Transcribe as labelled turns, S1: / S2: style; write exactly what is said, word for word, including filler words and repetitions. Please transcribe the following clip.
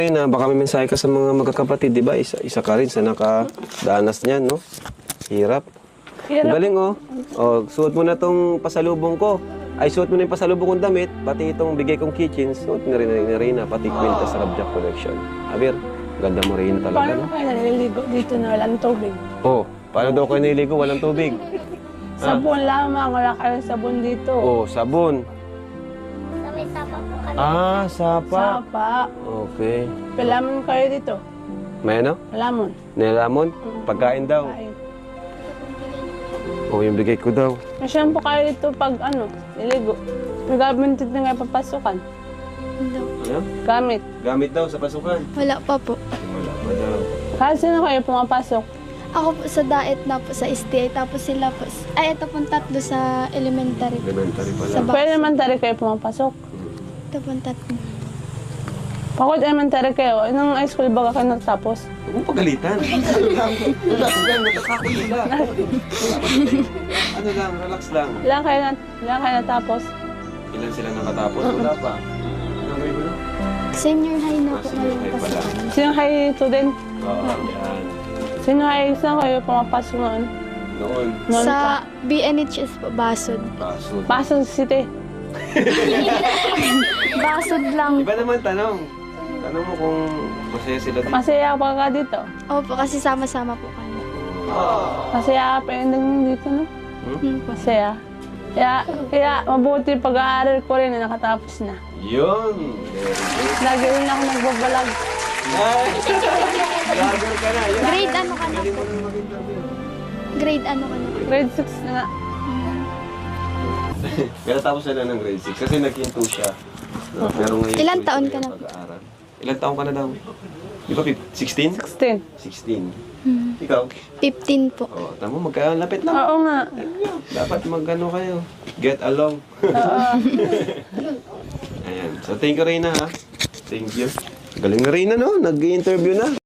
S1: Na baka may mensahe ka sa mga magkakapatid, di ba? Isa, isa ka rin sa nakadanas niyan, no? Hirap.
S2: Hirap.
S1: Galing, oh. Oh, suot mo na tong pasalubong ko. Ay, suot mo na yung pasalubong kong damit, pati itong bigay kong kitchen, suot na rin na rin na, pati Quintas Rabjack Collection. Abir, ganda mo rin talaga,
S2: Paano
S1: no?
S2: kayo naliligo dito na walang tubig?
S1: Oh, paano daw kayo niligo? Walang tubig.
S2: Sabon lamang, wala kayong sabon dito.
S1: Oh, sabon.
S3: Sa may sapa po kami.
S1: Ah, sapa.
S2: Sapa.
S1: Okay.
S2: Palamon kayo dito.
S1: May ano?
S2: Palamon.
S1: Nilamon? Pagkain daw.
S2: Kain.
S1: Oh, yung bigay ko daw.
S2: May shampoo kayo dito pag ano, niligo. May gamit dito nga papasukan.
S3: Hindi.
S1: Ano?
S2: Gamit.
S1: Gamit daw sa pasukan.
S3: Wala pa po.
S1: Wala pa daw.
S2: Kasi na kayo pumapasok.
S3: Ako po sa daet na po sa S T I, tapos sila po, ay ito pong tatlo sa elementary.
S1: Elementary pa
S3: Sa
S1: lang.
S3: ba-
S2: Pwede naman tari kayo pumapasok.
S3: Ito pong tatlo.
S2: Pagod elementary kayo, nung high school baga kayo natapos?
S1: Huwag mong pagalitan. Ano lang? Relax lang. Nakakakulila. Ano lang? Relax lang.
S2: Ilan kayo, na, ilan kayo natapos?
S1: Ilan sila nakatapos? Wala pa. Ano may mo?
S3: Senior high na po
S1: Ah, senior
S3: ngayon
S1: high
S3: kasi.
S1: pala.
S2: Sino high student?
S1: Oo, yan.
S2: Sino high, saan kayo pumapasok noon?
S1: Noon.
S2: Noon pa.
S3: Sa B N H S po, Basod.
S1: Pasod.
S2: Pasok City.
S3: Basod lang.
S1: Iba naman tanong. Tanong mo kung masaya sila dito.
S2: Masaya pa ka dito.
S3: Opo, kasi sama-sama po kami.
S2: Masaya ka pa yung dito, no?
S3: Hmm.
S2: Masaya. Kaya, kaya mabuti pag-aaral ko rin na nakatapos na.
S1: Yun. Very good.
S2: Lagi rin ako nagbabalag.
S1: Ay! Vlogger ka na. Yun.
S3: Grade ano ka na
S1: Galing
S3: po?
S1: mo na mag-interview.
S3: Grade ano ka na po?
S2: Grade six na nga.
S1: Pero tapos na lang ng grade six kasi nagkinto siya. No? Pero ngayon,
S3: Ilan
S1: tuloy
S3: taon
S1: tuloy
S3: ka
S1: ang
S3: na?
S1: pag-aaral. Ilan taon ka na daw? Di ba sixteen?
S2: sixteen.
S1: sixteen.
S3: Hmm.
S1: Ikaw?
S3: fifteen po.
S1: Oh, tamo magkalapit lang.
S2: Oo nga.
S1: Dapat magano kayo. Get along.
S2: Oo.
S1: Ayan. So thank you Reyna ha. Thank you. Galing na Reyna no? Nag-interview na.